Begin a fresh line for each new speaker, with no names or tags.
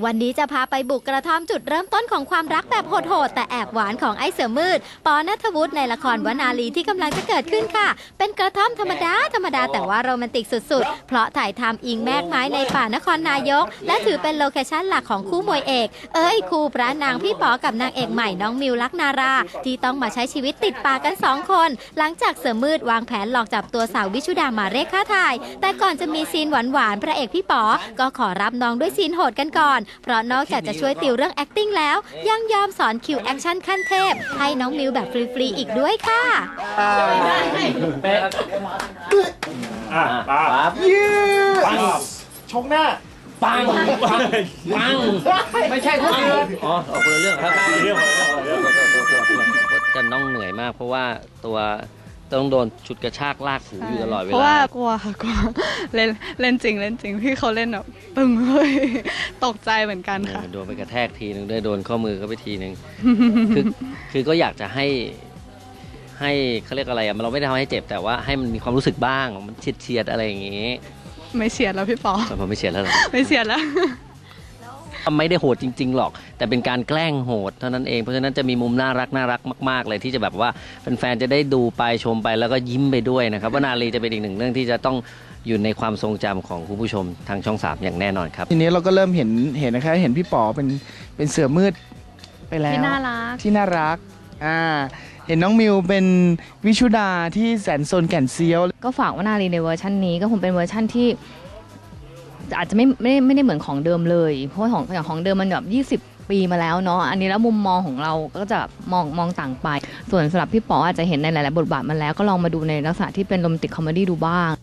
วันนี้จะพาไปบุกกระท่อมจุดเริ่มต้นของความรักแบบโหดๆแต่แอบหวานของไอ้เสือมืดปอณัฐวุฒิในละครวนาลีที่กำลังจะเกิดขึ้นค่ะเป็นกระท่อมธรรมดาแต่ว่าโรแมนติกสุดๆเพราะถ่ายทำอิงแมกไม้ในป่านครนายกและถือเป็นโลเคชั่นหลักของคู่มวยเอกคู่พระนางพี่ป๋อกับนางเอกใหม่น้องมิวลักนาราที่ต้องมาใช้ชีวิตติดป่ากัน2คนหลังจากเสือมืดวางแผนหลอกจับตัวสาววิชุดามาเรียกค่าถ่ายแต่ก่อนจะมีซีนหวานๆพระเอกพี่ป๋อก็ขอรับน้องด้วยซีนโหดกันก่อนเพราะนอกจากจะช่วยติวเรื่อง acting แล้วยังยอมสอนคิวแอคชั่นขั้นเทพให้น้องมิวแบบฟรีๆอีกด้วยค่ะ
ปั๊บชงหน้า
ปังไม่ใช่คนเดียวอ๋อคนละเรื่องครับจะน้องเหนื่อยมากเพราะว่าตัวต้องโดนชุดกระชากลากถูอยู่ตลอดเวลา
เพราะว่ากลัวค่ะกลัวเล่นจริงพี่เขาเล่นแบบปึ้งเลยตกใจเหมือนกันค่ะ
โดนไปกระแทกทีนึงด้วยโดนข้อมือก็ไปทีนึงคือก็อยากจะให้เขาเรียกอะไรอะเราไม่ได้ทำให้เจ็บแต่ว่าให้มันมีความรู้สึกบ้างมันเฉียดอะไรอย่างงี้
ไม่เฉียดแล้วพี่ปอ
ผมไม่เฉียดแล้ว
ไม่เฉียดแล้ว
ไม่ได้โหดจริงๆหรอกแต่เป็นการแกล้งโหดเท่านั้นเองเพราะฉะนั้นจะมีมุมน่ารักมากๆเลยที่จะแบบว่าแฟนๆจะได้ดูไปชมไปแล้วก็ยิ้มไปด้วยนะครับวนาลีจะเป็นอีกหนึ่งเรื่องที่จะต้องอยู่ในความทรงจำของคุณผู้ชมทางช่อง3อย่างแน่นอนครับ
ทีนี้เราก็เริ่มเห็นนะครับเห็นพี่ป๋อเป็นเสือมืดไปแล้ว
ที่น่ารัก
เห็นน้องมิวเป็นวิชุดาที่แสนซนแก่นเซียว
ก็ฝากวนาลีในเวอร์ชันนี้ก็คงเป็นเวอร์ชันที่อาจจะไม่ได้เหมือนของเดิมเลยเพราะของเดิมมันแบบ20 ปีมาแล้วเนาะอันนี้แล้วมุมมองของเราก็จะมองต่างไปส่วนสำหรับพี่ป๋ออาจจะเห็นในหลายๆบทบาทมาแล้วก็ลองมาดูในลักษณะที่เป็นโรแมนติกคอมเมดี้ดูบ้าง